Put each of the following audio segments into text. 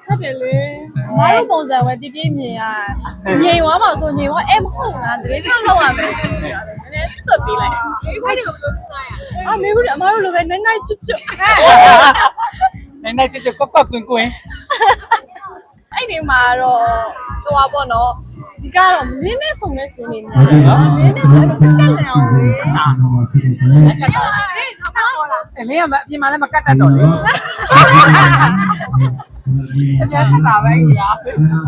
တယ်လေမတို့ပုံစံပဲပြပြမြင်ရငြိမ်သွားမှာဆိုငြိမ်သွားအဲ့မဟုတ်လားတကယ်တော့လောက်ရမယ်နည်းနည်းသွတ်ပေးလိုက်ဒီခွဲတွေကိုဘယ်လိုစဉ်းစားရအာမေဘူးအမတို့လိုပဲနိုင်နိုင်ကျွတ်ကျွတ်နိုင်ကျွတ်ကွက်ကွက်ကွင်းကွင်းအဲ့ဒီမှာတော့ဟိုပါပေါ့နော်ဒီကတော့နင်းနဲ့ဆုံတဲ့စင်းနေများတယ်နော်နင်းနဲ့ဆိုတော့တက်လန်အောင်လေအလင်းကပြင်မှာလည်းမကတ်တတ်တော့လေအကျဉ်းခတာပဲကြီးอ่ะ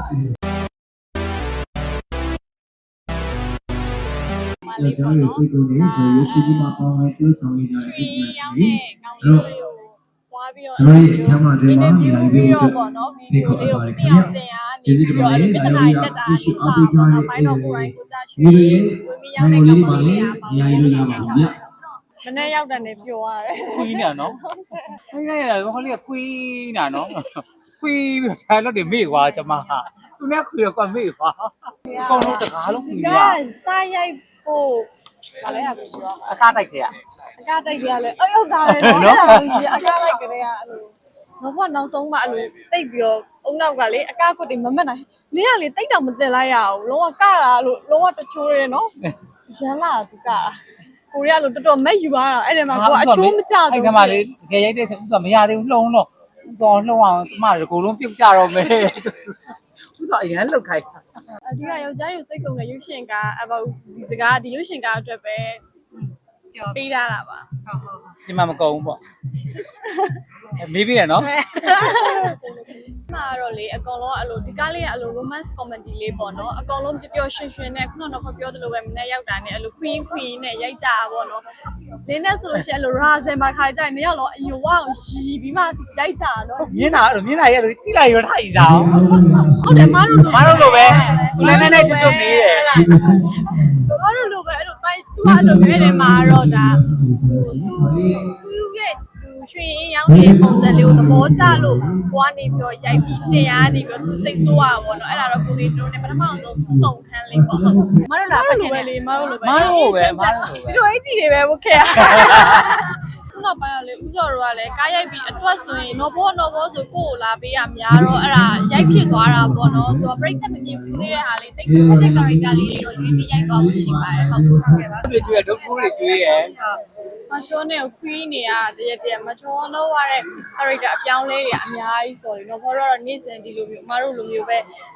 ကျွန်တော်တို့စိတ်ကူးနေဆိုရရှိပြီးမှပေါင်းမယ်ကျိုးဆောင်ရကြတဲ့ဒီမှာရှိအဲ့တော့ကျွန်တော်ရဲ့အခမ်းအနားတွေမှာနေရာလေးကိုပေါ့နော်ဗီဒီယိုလေးကိုတရားတင်ရနေပြီးတော့ပြဿနာတက်တာကြည့်အားပေးကြတဲ့ဘိုင်းတော်ကိုယ်တိုင်ကိုကြားရွှေဝင်ပြီးရောက်တဲ့ကောင်လေးတွေနေရာလေးရပါဘူးဗျမနေ့ရောက်တဲ့နေပျော်ရတယ်ခွေးနေတာနော်ခွေးနေတာဟောလေးကခွေးနေတာနော်ခွေးပြီးထိုင်လို့တွေမေ့သွားကျမဟာသူနဲ့ခွေးကမေ့သွားအကုန်လုံးတကားလုံးခွေးရစားရိုက်ဖို့ဘာလဲอ่ะဆိုတော့အကားတိုက်ခဲ့ရအကားတိုက်ရလဲဟုတ်တာပဲနော်အကားလိုက်ကြတဲ့အဲ့လိုတော့ဘာနောက်ဆုံးမှအဲ့လိုတိတ်ပြီးတော့အုံနောက်ကလေအကားကွတ်တွေမမက်နိုင်လင်းကလေတိတ်တော့မတင်လိုက်ရအောင်လုံးဝကတာလို့လုံးဝတချိုးရဲနော်ရမ်းလာသူကကိုရီးယားလိုတော်တော်မက်ယူရတာအဲ့ဒီမှာကိုအချိုးမကျဘူးအဲ့ဒီမှာလေတကယ်ရိုက်တဲ့ချိန်ဥစ္စာမရသေးဘူးလှုံတော့ဥစ္စာလှုံအောင်ကျမတို့အကုန်လုံးပြုတ်ကြတော့မယ်ဥစ္စာအရန်လှုပ်ခိုင်းအဒီကယောက်ျားတွေစိတ်ကုန်တဲ့ရုပ်ရှင်ကအဘောဒီစကားဒီရုပ်ရှင်ကအတွက်ပဲပေးထားတာပါဟုတ်ဒီမှာမကုန်ဘူးပေါ့မေးပြီးရနော်မှာတော့လေအကောင်လုံးအဲ့လိုဒီကားလေးကအဲ့လို romance comedy လေးပေါ့နော်အကောင်လုံးပျော်ပျော်ရွှင်ရွှင်နဲ့ခုနကတော့ပြောသလိုပဲမနေ့ရောက်တာနဲ့အဲ့လို queen နဲ့ရိုက်ကြတာပေါ့နော်လင်းနဲ့ဆိုလို့ရှိရင်အဲ့လို razen မှာခါကြရင်နှစ်ယောက်လုံးအယိုဝအောင်ရီပြီးမှရိုက်ကြတာနော်မြင်းတာအဲ့လိုမြင်းတာရဲ့ကြည့်လိုက်ရထိုင်တာဟုတ်တယ်မတို့လိုပဲသူလည်းနဲ့ချွတ်ချွတ်နေတယ်မတို့လိုပဲအဲ့လိုပိုင်းသူအဲ့လိုပဲတယ်မှာတော့ဒါသူရဲ့ရွှေရင်ရောင်းနေတဲ့ပုံစံလေးကိုသဘောကျလို့ကိုကနေပြီးတော့ရိုက်ပြီးတင်ရနေပြီးတော့သူစိတ်ဆိုးရပါဘောနော်အဲ့ဒါတော့ကိုလေးတို့နဲ့ပထမဆုံးစုံခန်းလေးပေါ့ဟုတ်မတို့လားဖက်ရှင်လေးမတို့လိုပဲမတို့ပဲဒီလိုအကြီးတွေပဲဘုခဲရခုနပိုင်းကလေဥစော်တို့ကလည်းကားရိုက်ပြီးအတွက်ဆိုရင်နော်ဘောဆိုကိုကိုလာပေးရများတော့အဲ့ဒါရိုက်ဖြစ်သွားတာပေါ့နော်ဆိုတော့ break တက်မမြင်ဘူးသေးတဲ့ဟာလေးတိတ်ချက်ချက် character လေးတွေတော့ရွေးပြီးရိုက်သွားမှုရှိပါတယ်ဟုတ်ကဲ့ပါသူကျွေးဒုက္ခတွေကျွေးရမချိုးနဲ့ခွီးနေရတဲ့မချိုးလောက်ရတဲ့ character အပြောင်းလဲတွေအများကြီးဆိုရင်တော့ဘောတော့နေ့စဉ်ဒီလိုမျိုးအမတို့လိုမျိုးပဲ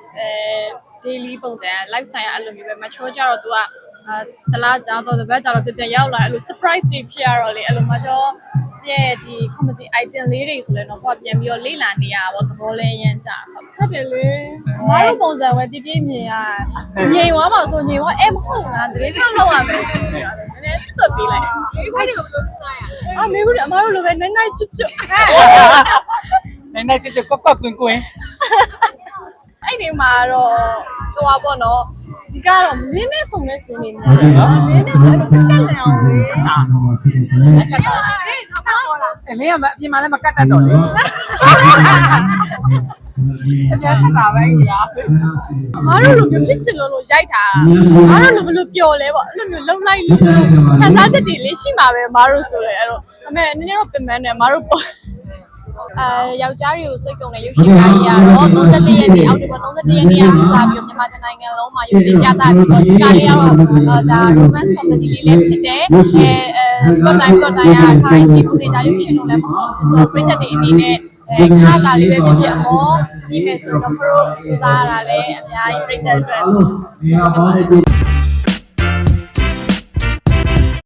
daily ပုံစံ lifestyle အဲ့လိုမျိုးပဲမချိုးကြတော့ तू ကတလားကြာတော့တပတ်ကြာတော့ပြန်ရောက်လာအဲ့လို surprise တွေဖြစ်ရတော့လေအဲ့လိုမချိုးရဲ့ဒီ comedy item လေးတွေဆိုလဲတော့ပေါ့ပြန်ပြီးတော့လေ့လာနေရတာပေါ့သဘောလဲရမ်းကြဟုတ်တယ်လေမတို့ပုံစံပဲပြပြမြင်ရငြိမ်သွားမှာဆိုငြိမ်သွားအဲ့မဟုတ်လားတကယ်တော့လောက်ရမယ်နည်းနည်းသွတ်ပေးလိုက်ဒီခွဲတွေကိုဘယ်လိုစဉ်းစားရအာမေဘူးအမတို့လိုပဲနိုင်နိုင်ကျွတ်ကျွတ်နိုင်ကျွတ်ကွက်ကွက်ကွင်းကွင်းအဲ့ဒီမှာတော့ဟိုပါပေါ့နော်ဒီကတော့နင်းနဲ့ဆုံတဲ့စင်းနေများတယ်နော်နင်းနဲ့ဆိုတော့တက်လန်အောင်လေအလင်းကပြင်မှာလည်းမကတ်တတ်တော့လေအကျဉ်းခတာပဲကြီးอ่ะမတို့လိုမျိုးဖြစ်ချင်လို့ရိုက်ထားတာမတို့လိုဘယ်လိုပျော်လဲပေါ့အဲ့လိုမျိုးလုံလိုက်လို့ခံစားချက်တွေလေးရှိမှာပဲမတို့ဆိုလေအဲ့တော့အမေနည်းနည်းတော့ပြင်ပန်းတယ်မတို့ပေါ့ယောက်ျားတွေကိုစိတ်ကုန်တဲ့ရုပ်ရှင်ကားကြီးကတော့31ရက်နေ့အောက်တိုဘာ31ရက်နေ့ကစပြီးတော့မြန်မာနိုင်ငံလုံးမှာရုပ်ရှင်ပြသပြီးတော့ဒီကားလေးကတော့ဒါ romance comedy လေးလည်းဖြစ်တယ်တော့တိုင်းရခိုင်းကြည့်မှုတွေဒါရုပ်ရှင်လို့လည်းမဟုတ်ဘူးဆိုတော့ပြည်သက်တွေအနေနဲ့ခါကားလေးပဲဖြစ်အမောဒီမဲ့ဆိုတော့ pro စူးစမ်းရတာလည်းအများကြီးပြည်သက်အတွက်